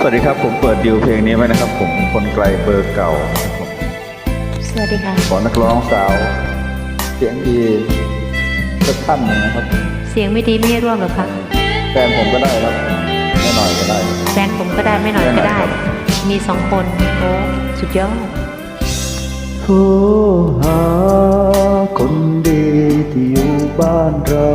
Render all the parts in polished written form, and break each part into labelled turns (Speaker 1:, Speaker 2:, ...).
Speaker 1: วัสดีครับผมเปิดดิวเพลงนี้ไว้นะครับผมคนไกลเบอร์เก่า
Speaker 2: สวัสดีค่ะ
Speaker 1: ขอนักร้องสาวเสียงดีสักท่านหนึ่งนะครับ
Speaker 2: เสียงไม่ดีไม่ให้ร่วมหรอคะ
Speaker 1: แฟนผมก็ได้ครับไม่หน่อยก็ได้
Speaker 2: แฟนผมก็ได้ไม่หน่อยก็ได้มี2 คนโอ้สุดยอด
Speaker 1: โทรหาคนดีที่อยู่บ้านเรา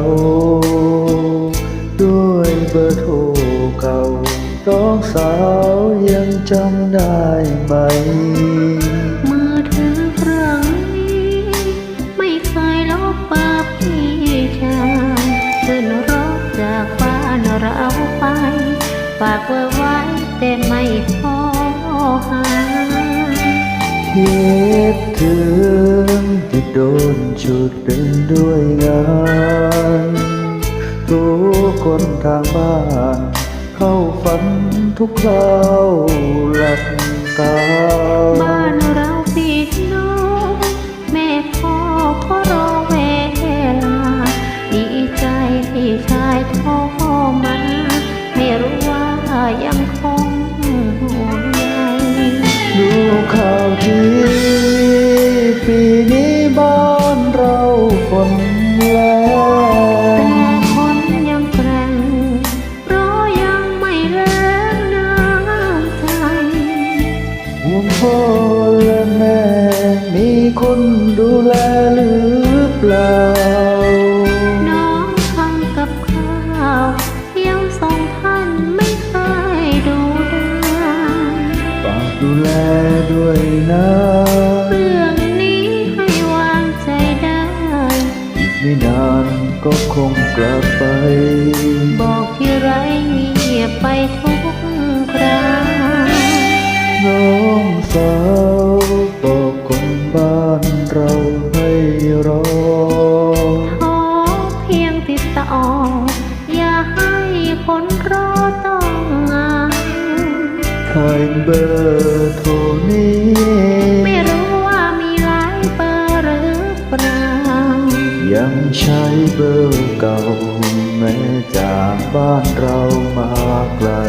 Speaker 1: ด้วยเบอร์โทรเก่าน้องสาวยังจำได้ไหม
Speaker 2: มือถือเครื่องนี้ไม่เคยลบเบอร์พี่ชายขึ้นรถจากบ้านเราไปฝากเบอร์ไว้แต่ไม่โทรหา
Speaker 1: คิดถึงที่โดนฉุดเดินด้วยงานทุกคนทางบ้านเข้าฝันทุกคราวหลับตา
Speaker 2: บ้านเราปิดน้องแม่พ่อก็รอเวลาดีใจที่ชายโทรมาไม่รู้ว่ายังคงห่วงใย
Speaker 1: ดูข่าวทีปีนี้บ้านเราฝนแล้ว
Speaker 2: แต่คนยังแกร่งเพราะยังไม่แรงน้ำใจ
Speaker 1: ห่วงพ่อและแม่มีคนดูแลหรือเปล่า
Speaker 2: น้องทำกับข้าวยังส่งท่านไม่เคยดูได้
Speaker 1: ฝากดูแลด้วยนะ
Speaker 2: เรื่องนี้ให้วางใจได้
Speaker 1: อีกไม่นานก็คงกลับไป
Speaker 2: บอกที่ไรเงียบไปทุกครา
Speaker 1: น้องสาวบอกคนบ้านเราให้รอ
Speaker 2: ขอเพียงติดต่ออย่าให้คนรอต้องงาน
Speaker 1: ใครเบอร์โทรนี้
Speaker 2: ไม่รู้ว่ามีหลายเบอร์หรือเปล่า
Speaker 1: ยังใช้เบอร์เก่าแม้จากบ้านเรามาไกล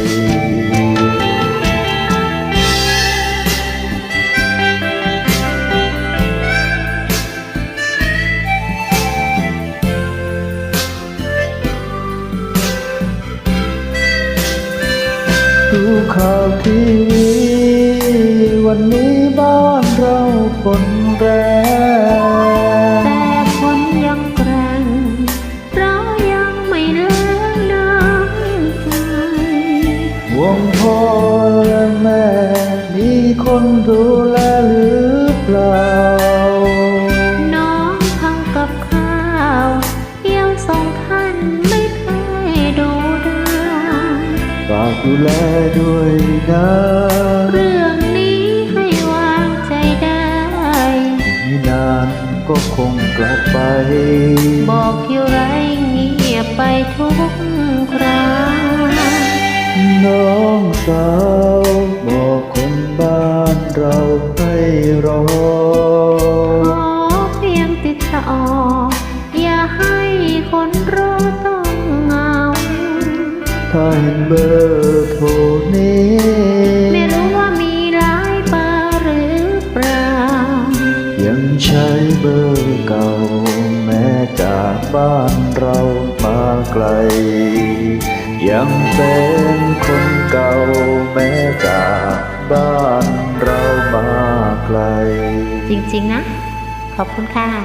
Speaker 1: ดูข่าวทีวีวันนี้บ้านเราฝนแรง
Speaker 2: แต่คนยังแกร่งเพราะยังไม่เลิกน้ำใจ
Speaker 1: ห่วงพ่อและแม่มีคนดูแลหรือเปล่า
Speaker 2: น้องทำกับข้าวยังส่งท่านไม่เคยดูได้
Speaker 1: ฝากดูแลด้วยนะ
Speaker 2: เรื่องนี้ให้วางใจได้
Speaker 1: ไม่นานก็คงกลับไป
Speaker 2: บอกที่ไรเงียบไปทุกครา
Speaker 1: น้องสาวบอกคนบ้านเราให้รอ
Speaker 2: ขอเพียงติดต่ออย่าให้คนรอต้องเหงา
Speaker 1: ถ้าเห็นเบอร์โทรนี้
Speaker 2: ไม่รู้ว่ามีหลายเบอร์หรือเปล่า
Speaker 1: ยังใช้เบอร์เก่าแม้จากบ้านเรามาไกลยังเป็นคนเก่าแม้จากบ้านเรามาไกล
Speaker 2: จริงๆนะขอบคุณค่ะ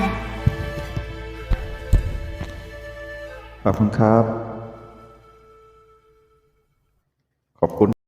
Speaker 1: ขอบคุณครับขอบคุณ